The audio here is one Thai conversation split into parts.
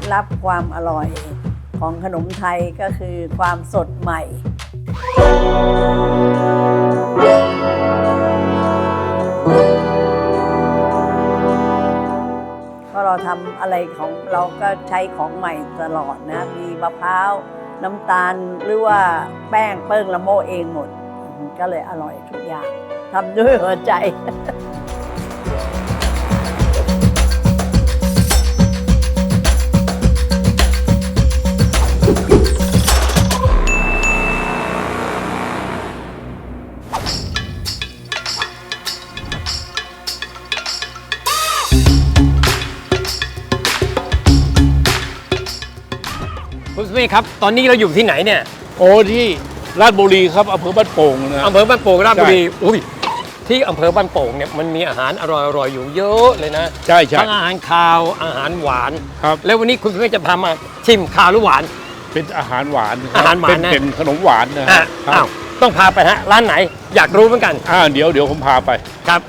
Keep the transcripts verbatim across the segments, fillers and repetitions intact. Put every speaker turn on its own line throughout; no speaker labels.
ลับความอร่อยของขนมไทยก็คือความสดใหม่เพราะเราทำอะไรของเราก็ใช้ของใหม่ตลอดนะมีมะพร้าวน้ำตาลหรือว่าแป้งเปิ้งละโมเองหมดก็เลยอร่อยทุกอย่างทำด้วยหัวใจ
คุณสุเมฆครับตอนนี้เราอยู่ที่ไหนเนี่ย
โอ้ที่ราชบุรีครับอำเภอบ้านโป่งนะ
อำเภอบ้านโป่งราชบุรีอุ้ยที่อำเภอบ้านโป่งเนี่ยมันมีอาหารอร่อยๆอยู่เยอะเลยนะ
ใช่ใช่
ทั้งอาหารคาวอาหารหวาน
ครับ
แล้ววันนี้คุณสุเมฆจะพามาชิมคาวหรือหวาน
เป็นอาหารหวาน
อาหารหวานนะ
เป็นขนมหวานนะฮะ
อ้าวต้องพาไปฮะร้านไหนอยากรู้เหมือนกัน
อ่าเดี๋ยวเดี๋ยวผมพาไป
ครับ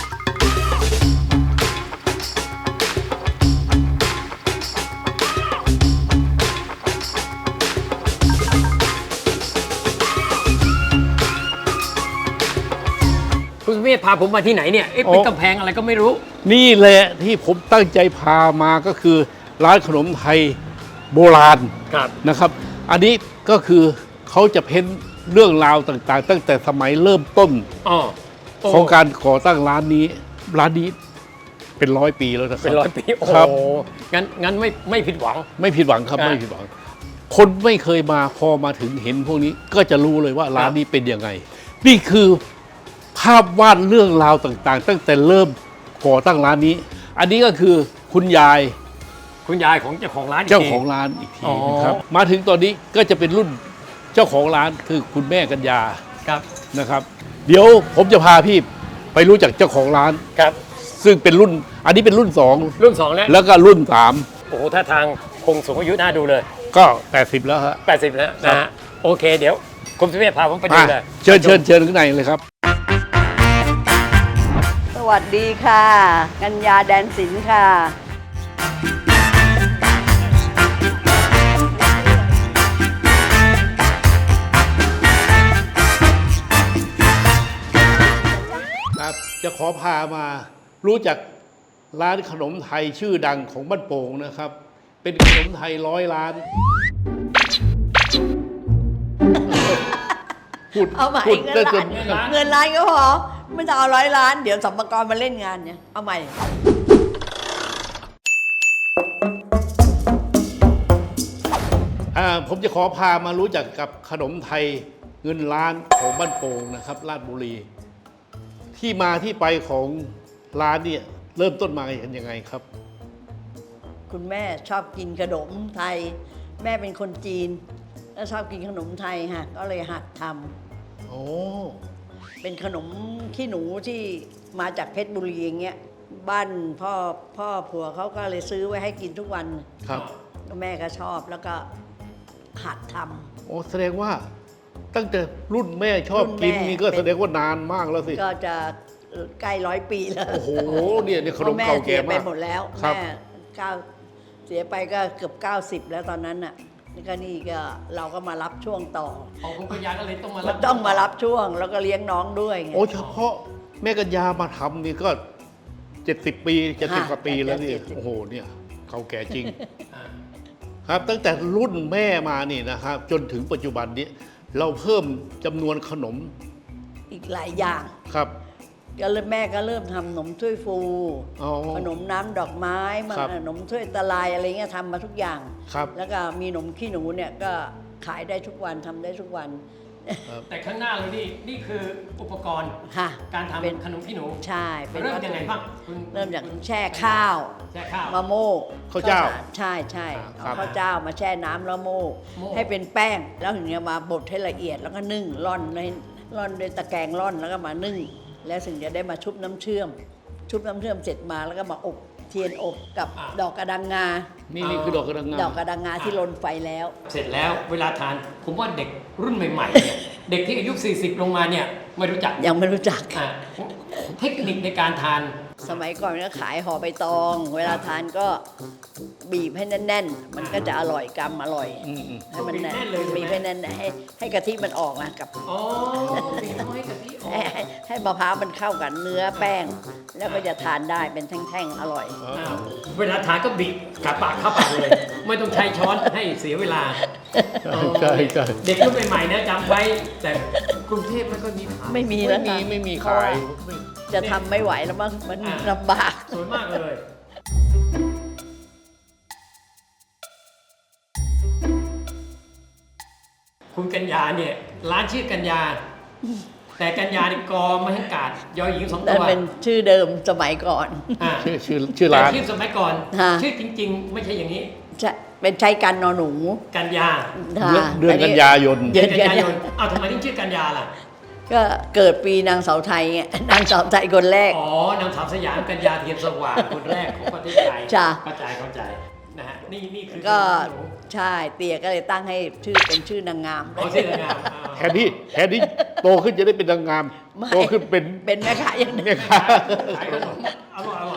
คุณสุเมฆพาผมมาที่ไหนเนี่ยเอ๊ะเป็นกำแพงอะไรก็ไม่รู้
นี่แหละที่ผมตั้งใจพามาก็คือร้านขนมไทยโบราณนะครับอันนี้ก็คือเขาจะเพ้นเรื่องราวต่างๆตั้งแต่สมัยเริ่มต้นของการก่อตั้งร้านนี้ร้านนี้เป็นร้อยปีแล้วนะครับ
เป็นร้อยปีโอ้โหงั้นงั้นไม่ไม่ผิดหวัง
ไม่ผิดหวังครับไม่ผิดหวังคนไม่เคยมาพอมาถึงเห็นพวกนี้ก็จะรู้เลยว่าร้านนี้เป็นยังไงนี่คือภาพวาดเรื่องราวต่างๆตั้งแต่เริ่มก่อตั้งร้านนี้อันนี้ก็คือคุณยาย
คุณยายของเจ้าของร้าน
เจ้าของร้านอีกทีนะครับมาถึงตอนนี้ก็จะเป็นรุ่นเจ้าของร้านคือคุณแม่กัญญา
ครับ
นะครับเดี๋ยวผมจะพาพี่ไปรู้จักเจ้าของร้าน
ครับ
ซึ่งเป็นรุ่นอันนี้เป็นรุ่นสอง
รุ่นสองแล้ว
แล้วก็รุ่นสาม
โอ้โหท่าทางคงสูงอายุน่าดูเลย
ก็แปดสิบแล้วฮะ
แปดสิบแล้วนะฮะโอเคเดี๋ยวคุณสุเมฆพาผมไปดูเลย
เชิญเชิญเชิญข้างในเลยครับ
สวัสดีค่ะกัญญาแดนศิลป์ค่ะ
ครับจะขอพามารู้จักร้านขนมไทยชื่อดังของบ้านโป่งนะครับเป็นขนมไทยร้อยล้าน
พูดเอาใหม่เงินล้านเงินล้านก็พอไม่ต้องเอาร้อยล้านเดี๋ยวสมปกรมาเล่นงานเนี่ยเอาใหม่
ผมจะขอพามารู้จักกับขนมไทยเงินล้านของบ้านโป่งนะครับราชบุรีที่มาที่ไปของร้านเนี่ยเริ่มต้นมากันยังไงครับ
คุณแม่ชอบกินขนมไทยแม่เป็นคนจีนแล้วชอบกินขนมไทยฮะก็เลยหัดทำโอ้เป็นขนมขี้หนูที่มาจากเพชรบุรีอย่างเงี้ยบ้านพ่อพ่อผัวเขาก็เลยซื้อไว้ให้กินทุกวัน
ครับ
แม่ก็ชอบแล้วก็หัดท
ำโอ้แสดงว่าตั้งแต่รุ่นแม่ชอบกินนี่ก็แสดงว่านานมากแล้วสิ
ก็จะใกล้ร้อยปีแล้ว
โอ้โหเนี่ยเนี่ยขนมเก่าแก่มาก
แม่เสียไปหมดแล้วแม่เก้าเสียไปก็เกือบเก้าสิบแล้วตอนนั้นน่ะนี่ก็นี่ก็เราก็มารับช่วงต่อ
ของคุณกัญญาก็เลยต้องมารับ
ต้องมารับช่วงแล้วก็เลี้ยงน้องด้วยไง
โอ้เฉพาะแม่กัญญามาทำนี่ก็เจ็ดสิบปีเจ็ดสิบกว่าปีแล้วนี่โอ้โหเนี่ยเก่าแก่จริงครับตั้งแต่รุ่นแม่มานี่นะครับจนถึงปัจจุบันนี้เราเพิ่มจำนวนขนม
อีกหลายอย่าง
ครับ
ก็เริ่มแม่ก็เริ่มทำขนมถ้วยฟูขนมน้ำดอกไม้มาขนมถ้วยตะไลอะไรเงี้ยทำมาทุกอย่างแล้วก็มีขนมขี้หนูเนี่ยก็ขายได้ทุกวันทำได้ทุกวัน
แต่ข้างหน้าเรานี่นี่คืออุปกรณ์การทำขนมขี้หนู
ใช่
เริ่มยังไงบ้าง
เริ่มจากแช่ข้าว
แช่ข้าว
มะโม่
ข้าวเจ้า
ใช่ใช่เอาข้าวเจ้ามาแช่น้ำแล้วโม่ให้เป็นแป้งแล้วถึงจะมาบดให้ละเอียดแล้วก็นึ่งร่อนในร่อนด้วยตะแกรงร่อนแล้วก็มานึ่งแล้วถึงจะได้มาชุบน้ำเชื่อมชุบน้ำเชื่อมเสร็จมาแล้วก็มาอบเทียนอบกับดอกกระดังงา
นี่นี่คือดอกกระดังงา
ดอกกระดังงาที่ลนไฟแล้ว
เสร็จแล้วเวลาทานผมว่าเด็กรุ่นใหม่ๆเนี่ยเด็กที่อายุสี่สิบลงมาเนี่ยไม่รู้จัก
ยังไม่รู้จัก
เทคนิคในการทาน
สมัยก่อนก็ขายห่อใบตอง เวลาทานก็บีบให้แน่น ๆ มันก็จะอร่อยกำอร่อย
อืมอืม
ให้มันแน่น
บีบแน่นเลยใช่ไหม
บีบให้แน่นๆให้ให้กะทิมันออกนะกับ
อ๋อบีบให้กะทิออ
ให้
ก
ให้ให้มะพร้าวมันเข้ากับเนื้อแป้ง แล้วก็จะทานได้เป็นแท่งๆอร่อย
อ้าวเวลาทานก็บีบกัดปากเข้าปากเลย ไม่ต้องใช้ช้อนให้เสียเวลา
ใช่ใช่
เด็กรุ่นใหม่ๆนะจำไว้ แต่กรุงเทพไม่ค่อยมีขาย
ไม่มี
ไม่
แล้ว
มี
ค่ะ
ไม่มี
เพราะ
ขาย
ว่าจะทำไม่ไหวแล้วมั้งมัน
อ่า
ลำบาก
สวยมากเลย คุณกัญญาเนี่ยร้านชื่อกัญญา แต่กัญญานี่กอไม่ให้กาดยอหญิงสอง
นั่
ตั
น
ว
เป็นชื่อเดิมสมัยก่อน
อ่า
ชื่อชื่อชื่อร้าน
แต่ชื่อสมัยก่อน
ฮะ
ชื่อจริง ๆ ไม่ใช่อย่างนี้
ใช่เป็นใช้กันนอนหนู
กัญญา
ค่ะ
เดือนเดือนกันยายน
เดือน
กัญญายนเอาทำไมถึงชื่อกัญญาล่ะ
ก็เกิดปีนางเสาไทยไง นางเสาไทยคนแรก
อ๋อนางสาวสยามกัญญาเทียนสว่างคนแรกของประเทศไทย
จ้ะ
เข้าใจเข้าใจนะฮะนี่นี่คือ
ก็
หนู
ใช่เตียก็เลยตั้งให้ชื่อเป็นชื่อนางงาม
อ๋อชื่อนางงามอ่า
แทนที่แทนที่โตขึ้นจะได้เป็นนางงาม
ไม่
โตขึ้นเป็น
เป็นแม่ค้าอย่างนี้
เนี่ยค่ะ
ขายขนมอร่อยอร่อย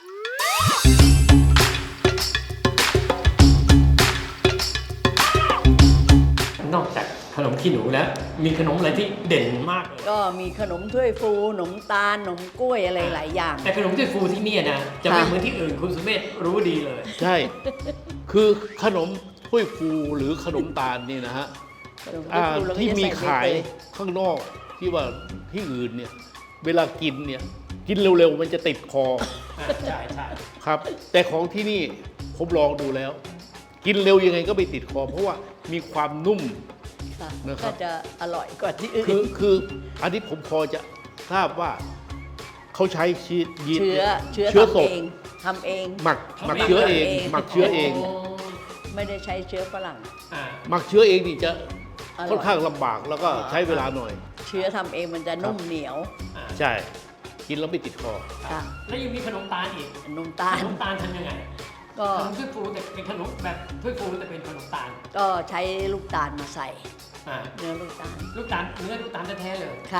นอกจากขนมขี้หนูแล้ว มีขนมอะไรที่เด่นมากเลย
ก็มีขนมถ้วยฟูขนมตาลขนมกล้วยอะไรหลายอย่าง
แต่ขนมถ้วยฟูที่เนี่ยนะจะไม่
ค่ะ
เหมือนที่อื่นคุณสุเมธรู้ดีเลย
ใช่ คือขนมถ้วยฟูหรือขนมตาลนี่นะฮะ
ขนมถ้วย
อ่า
ฟูแล้วก็
ที่
จะ
มี
ใส่ใบ
ขาย
เตย
ข้างนอกที่ว่าที่อื่นเนี่ย เวลากินเนี่ย กินเร็วๆมันจะติดคอ
อ่าใช่ใช่
ครับ แต่ของที่นี่ผมลองดูแล้ว กินเร็วยังไงก็ไม่ติดคอ เพราะว่ามีความนุ่ม
ค่ะ
นะครับ
ก็จะอร่อยกว่าที่อื่
คือน คืออันนี้ผมพอจะทราบว่าเขาใช้ชีสยีสต์
เชื้อ
นี่ย
เชื้อ
เชื้อ
ทำ
สด
เองทำเอง
หมักหมักเชื้อเอง
ทำเอง
หมักเชื้อเอง
ไม่ได้ใช้เชื้อฝรั่ง
อ่า
หมักเชื้อเองนี่จะ
อร่อย
ค่อนข้างลำบากแล้วก็ใช้เวลาหน่อย
เชื้อทำเองมันจะนุ่มเหนียว
อ่า
ใช่ กินแล้วไม่ติดคอ
ค่ะ
แล้วยังมีขนมตาลอีก
นม
ข
ตาล
นมตาลทำยังไง
ก็
ขนมถ้วยฟูแต่เป็นขนมแบบถ้วยฟูแต่เป็นขนมตาล
ก็ใช้ลูกตาลมาใส่
อ่า
เนื้อลูกตาล
ลูกตาลเนื้อลูกตาลแท้ๆเลย
ค่ะ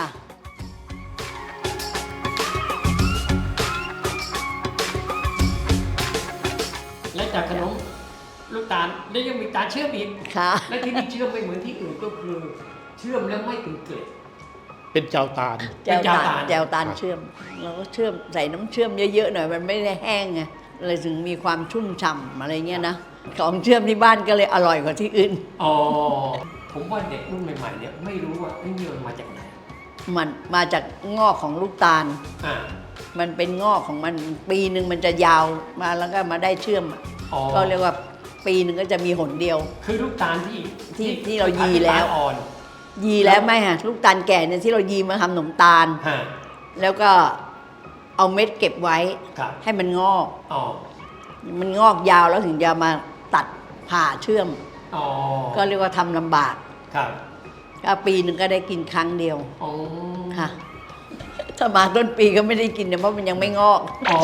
และจากขนมลูกตาลแล้วยังมีตาลเชื่อมอีก
ค่ะ
และที่นี่เชื่อมไม่เหมือนที่อื่นก็คือ เชื่อมแล้วไม่เป็นเกล็ด
เป็นเจ้าตาล
แจวตา
เป็นแจวตา
ล
ล
แจวตาลเชื่อม เราก็เชื่อมใส่น้ำเชื่อมเยอะๆหน่อยมันไม่ได้แห้งไงเลยถึงมีความชุ่มฉ่ำอะไรเงี้ยนะ ของเชื่อมที่บ้านก็เลยอร่อยกว่าที่อื่น
อ๋อผมว่าเด็กรุ่นใหม่ๆเนี่ยไม่รู้ว่าไอ้นี่มันมาจากไหน
มันมาจากงอกของลูกตาล
อ่า
มันเป็นงอกของมันปีหนึ่งมันจะยาวมาแล้วก็มาได้เชื่อมอะ
อ๋อ
ก็เรียกว่าปีหนึ่งก็จะมีหนเดียว
คือลูกตาลที่
ที่ที่เรายีแล้ว
ตาอ่อน
ยีแล้วไหมฮะลูกตาลแก่เนี่ยที่เรายีมาทำขนมตาล
ฮะ
แล้วก็เอาเม็ดเก็บไว้
ครับ
ให้มันงอก
อ๋อ
มันงอกยาวแล้วถึงจะมาตัดผ่าเชื่อม
อ๋อ
ก็เรียกว่าทำลำบาก
ครับ
ก็ปีหนึ่งก็ได้กินครั้งเดียว
อ๋อ
ค่ะ ถ้ามาต้นปีก็ไม่ได้กินเนี่ยเพราะมันยังไม่งอก
อ๋อ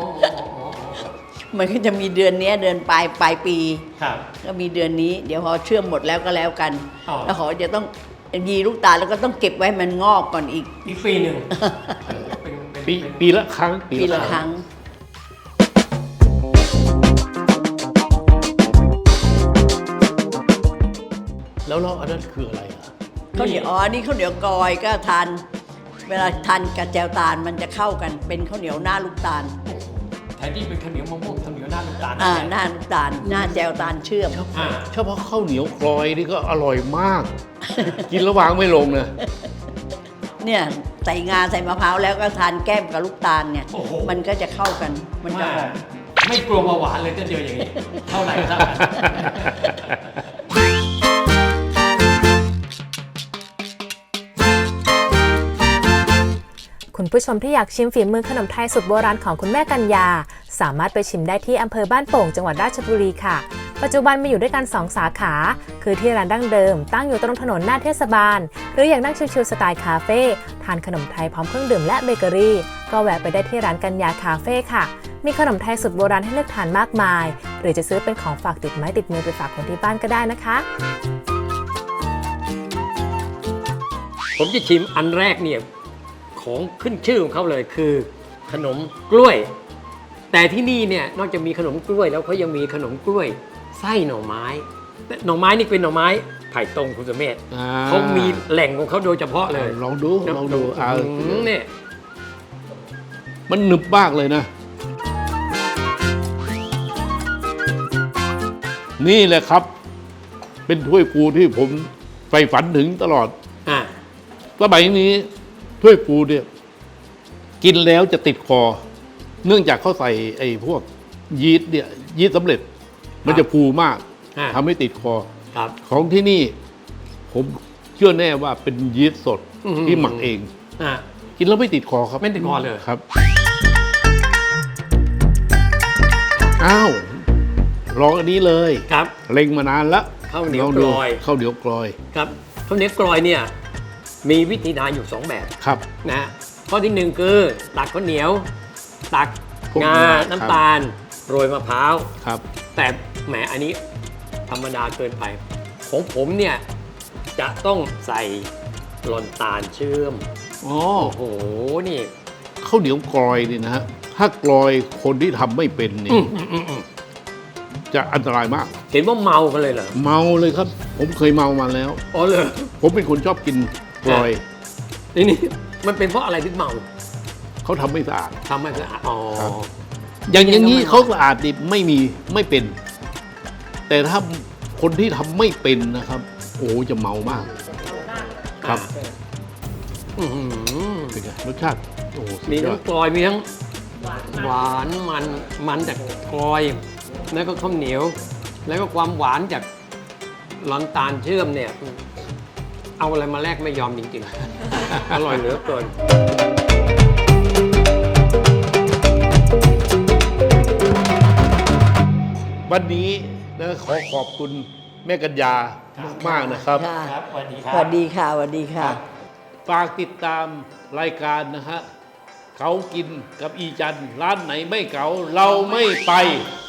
มันก็จะมีเดือนเนี้ยเดือนปลายปลายปี
ครับ
ก็มีเดือนนี้ เดี๋ยวพอเชื่อมหมดแล้วก็แล้วกัน
อ๋อ
แล้วขอจะต้องยีลูกตาลแล้วก็ต้องเก็บไว้มันงอกก่อนอีก
อีกปีหนึ่งเป็นเป็น
ปี
เป็น
ปีละครั้ง
ปีละครั้ง
แล้วแล้วอันนั้นคืออะไรอ่ะ
ข้าวเหนียวอ๋อนี่ข้าวเหนียวกอยก็ทาน เวลาทานกับแจวตาลมันจะเข้ากัน เป็นข้าวเหนียวหน้าลูกตาล
แทนที่เป็นข้าวเหนียวมะม่วงข้าวเหนียวหน้าลูกตาล
อ่า
แทน
หน้าลูกตาล หน้าแจวตาลเชื่อม
อ่า
เฉพาะข้าวเหนียวกลอยนี่ก็อร่อยมาก กินแล้ววางไม่ลงนะ
เนี่ยใส่งาใส่มะพร้าวแล้วก็ทานแก้มกับลูกตาลเนี่ย
โอ้โห
มันก็จะเข้ากัน มันจะหอม
ไม่กลัวเบาหวานเลยจะเจออย่างนี้ เท่าไหร่เท่ากัน
คุณผู้ชมที่อยากชิมฝีมือขนมไทยสุดโบราณของคุณแม่กัญญาสามารถไปชิมได้ที่อำเภอบ้านโป่งจังหวัดราชบุรีค่ะ ปัจจุบันมีอยู่ด้วยกันสองสาขา คือที่ร้านดั้งเดิมตั้งอยู่ตรงถนนหน้าเทศบาล หรืออยากนั่งชิลๆสไตล์คาเฟ่ทานขนมไทยพร้อมเครื่องดื่มและเบเกอรี่ก็แวะไปได้ที่ร้านกัญญาคาเฟ่ค่ะมีขนมไทยสุดโบราณให้เลือกทานมากมาย หรือจะซื้อเป็นของฝากติดไม้ติดมือไปฝากคนที่บ้านก็ได้นะคะ
ผมจะชิมอันแรกเนี่ยของขึ้นชื่อของเขาเลยคือขนมกล้วย แต่ที่นี่เนี่ยนอกจากมีขนมกล้วยแล้วเขายังมีขนมกล้วยไส้หน่อไม้หน่อไม้นี่เป็นหน่อไม้ไผ่ตรงคุณสุเมธ
อ่า
เขามีแหล่งของเขาโดยเฉพาะเลย
ลองดูลองดูอ่า
อืมเนี่ย
มันหนึบมากเลยนะ นี่แหละครับ เป็นถ้วยปูที่ผมใฝ่ฝันถึงตลอด
อ่า
สมัยนี้ถ้วยปูเนี่ยกินแล้วจะติดคอ เนื่องจากเขาใส่ไอ้พวกยีสต์เนี่ยยีสต์สำเร็จ มันจะฟูมาก
อ่า
ทำให้ติดคอ
ครับ
ของที่นี่ ผมเชื่อแน่ว่าเป็นยีสต์สด
อื้อหือ
ที่หมักเอง
อ่า
กินแล้วไม่ติดคอครับ
ไม่ติดคอเลย
ครับอ้าวลองอันนี้เลย
ครับ
เล็งมานานแล้ว
ข้าวเหนียว
ลง
ก
ดู
ลอย
ข้าวเหนียวกลอย
ครับข้าวเหนียวกลอยเนี่ยมีวิธีทานอยู่สองแบบ
ครับ
นะฮะข้อที่หนึ่งคือตักข้าวเหนียว ตัก
พวก
งา
งา
น้ำตาล โรยมะพร้าว
ครับ
แต่แหมอันนี้ธรรมดาเกินไป ของผมเนี่ยจะต้องใส่หลอนตาลเชื่อม
อ๋อ
โอ้โหนี่
ข้าวเหนียวกลอยนี่นะฮะถ้ากลอยคนที่ทำไม่เป็นนี่
อืมอืมอืมอืม
จะอันตรายมาก
เห็นว่าเมากันเลยเหรอ
เมาเลยครับ ผมเคยเมามาแล้ว
อ๋อเลย
ผมเป็นคนชอบกินกลอย
นี่นี่มันเป็นเพราะอะไรที่เมา
เขาทำไม่สะอาด
ทำให้สะอาดอ๋อ
ครับ อย่างอย่างนี้
ยังไงก็ไม่
เขาสะอาดดิไม่มีไม่เป็น แต่ถ้าคนที่ทำไม่เป็นนะครับ โอ้จะเมามาก ครับ
อื้อหือ
เป็นไงรสชาติโอ้สุด
มี
ยอ
ทั้
ด
งกลอยมีทั้งหวานมันมันจากกลอย แล้วก็ข้าวเหนียว แล้วก็ความหวานจากหลอนตาลเชื่อมเนี่ย เอาอะไรมาแลกไม่ยอมจริงๆ อร่อยเหลือเกิน
วันนี้นะขอขอบคุณแม่กัญญามากๆนะครับ
ค่ะ
ครับสวัสดีค
ส
รับ
วัสดีค่ะสวัสดีค่ะ
ฝากติดตามรายการนะฮะเขากินกับอีจันทร์ร้านไหนไม่เก๋าเราไม่ไป